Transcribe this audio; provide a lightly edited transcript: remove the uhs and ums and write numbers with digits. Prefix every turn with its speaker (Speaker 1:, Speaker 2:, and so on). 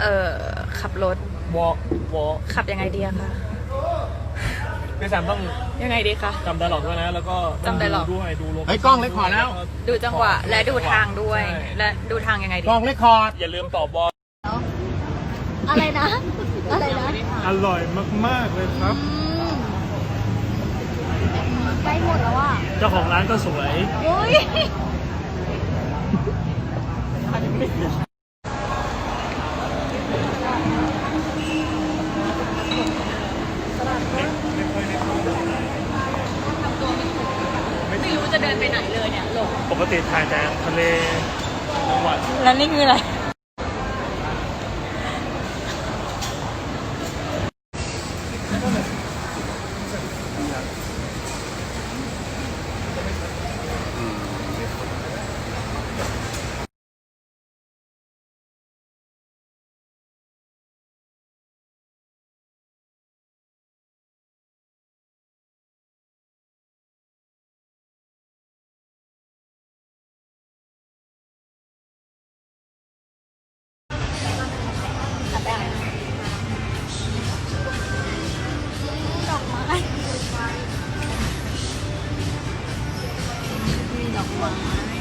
Speaker 1: ขับรถ
Speaker 2: วอ
Speaker 1: ขับยังไงดีอะคะ
Speaker 2: พี่แซมต้อง
Speaker 1: ยังไงดีคะ
Speaker 2: จำไดร็อกด้วยนะแล้วก็
Speaker 1: จำไดร็อก
Speaker 2: ด้วยดูลม
Speaker 3: เฮ้ยกล้องเล็กขอแล้ว
Speaker 1: ดูจังหวะและดูทางด้วยและดูทางยังไงดี
Speaker 3: กล้องเล็กคอร์ด
Speaker 2: อย่าลืมตอบบอล
Speaker 4: อะไรนะอะไรนะ
Speaker 2: อร่อยมากๆเลยครับ
Speaker 4: ใกล้หมดแล้วอ่ะ
Speaker 2: เจ้าของร้านก็สวย
Speaker 4: โอ้ย
Speaker 1: ไม่รู้จะเดินไปไหนเลยเนี่ยหลง
Speaker 2: ปกติถ่ายแต่ทะเลจังหวัด
Speaker 1: แล้วนี่คืออะไร
Speaker 4: ดอกไม้มีดอกไม้